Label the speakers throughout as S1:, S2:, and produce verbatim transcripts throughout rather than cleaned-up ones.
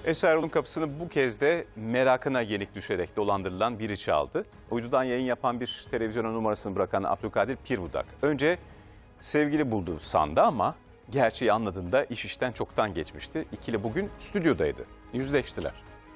S1: Esra Erol'un kapısını bu kez de merakına yenik düşerek dolandırılan biri çaldı. Uydudan yayın yapan bir televizyona numarasını bırakan Abdülkadir Pirbudak önce sevgili buldu sandı ama gerçeği anladığında iş işten çoktan geçmişti. İkili bugün stüdyodaydı. Yüzleştiler.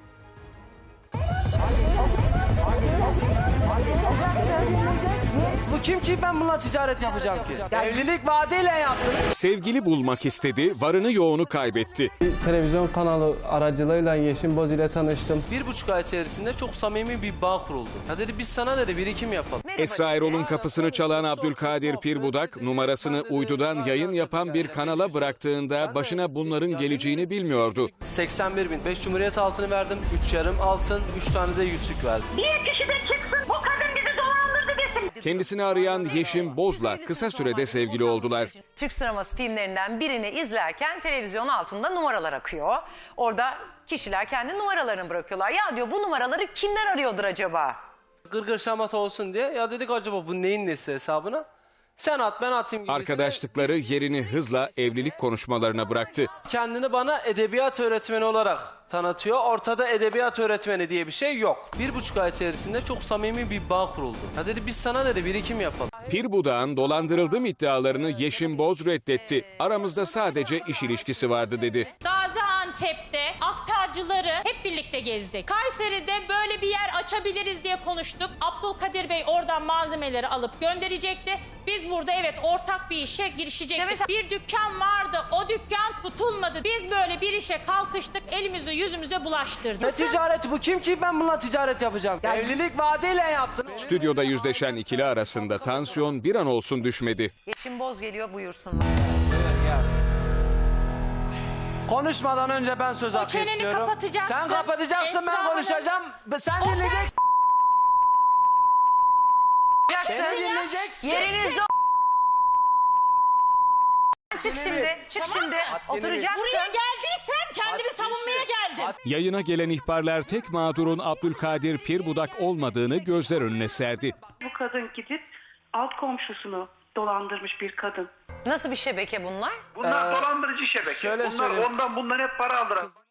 S2: Bu kim ki ben bununla ticaret yapacağım ki? Ya evlilik vaadiyle yaptım.
S3: Sevgili bulmak istedi, varını yoğunu kaybetti.
S4: Bir televizyon kanalı aracılığıyla Yeşim Boz ile tanıştım.
S2: Bir buçuk ay içerisinde çok samimi bir bağ kuruldu. Ya dedi biz sana dedi birikim yapalım.
S3: Esra Erol'un kapısını çalan Abdülkadir Pirbudak, numarasını uydudan yayın yapan bir kanala bıraktığında başına bunların geleceğini bilmiyordu.
S2: seksen bir bin, beş Cumhuriyet altını verdim, üç yarım altın, üç tane de yüzük verdim.
S5: Bir kişi de çıksın, bu kadın bizi dolandırdı desin.
S3: Kendisini arayan Yeşim Boz'la kısa sürede sevgili oldular.
S6: Türk sineması filmlerinden birini izlerken televizyon altında numaralar akıyor. Orada kişiler kendi numaralarını bırakıyorlar. Ya diyor bu numaraları kimler arıyordur acaba?
S2: Gırgır şamata olsun diye ya dedik acaba bu neyin nesi hesabına? Sen at ben atayım gibi.
S3: Arkadaşlıkları yerini hızla evlilik konuşmalarına bıraktı.
S2: Kendini bana edebiyat öğretmeni olarak tanıtıyor. Ortada edebiyat öğretmeni diye bir şey yok. Bir buçuk ay içerisinde çok samimi bir bağ kuruldu. Ya dedi biz sana dedi birikim yapalım.
S3: Pirbudak'ın dolandırıldım iddialarını Yeşim Boz reddetti. Aramızda sadece iş ilişkisi vardı dedi.
S7: Gaziantep'te aktarcıları hep birlikte gezdik. Kayseri'de böyle bir yer açabiliriz diye konuştuk. Abdülkadir Bey oradan malzemeleri alıp gönderecekti. Biz burada evet ortak bir işe girişecektik.
S6: mesela-
S7: Bir dükkan vardı. O dükkan tutulmadı. Biz böyle bir işe kalkıştık. Elimizi yüzümüze bulaştırdık.
S2: Ne ticareti bu kim ki ben bununla ticaret yapacağım? Ya evlilik vaadiyle yaptım.
S3: Stüdyoda yüzleşen ikili arasında tansiyon bir an olsun düşmedi.
S6: Yeşim Boz geliyor, buyursunlar.
S2: Konuşmadan önce ben söz hakkı
S7: çeneni
S2: istiyorum.
S7: kapatacaksın.
S2: Sen kapatacaksın
S7: Esra
S2: ben
S7: Hanım.
S2: konuşacağım. Sen dinleyeceksin. Beni dinleyeceksin.
S6: Yerinizde çık şimdi, çık şimdi. Oturacaksın.
S7: Buraya geldiysem kendimi savunmaya geldim.
S3: Yayına gelen ihbarlar tek mağdurun Abdülkadir Pirbudak olmadığını gözler önüne serdi.
S8: Bu kadın gidip alt komşusunu dolandırmış bir kadın.
S6: Nasıl bir şebeke bunlar?
S9: Bunlar
S2: Ee,
S9: dolandırıcı şebeke.
S2: şöyle
S9: Bunlar
S2: söyleyeyim.
S9: ondan bundan hep para aldılar.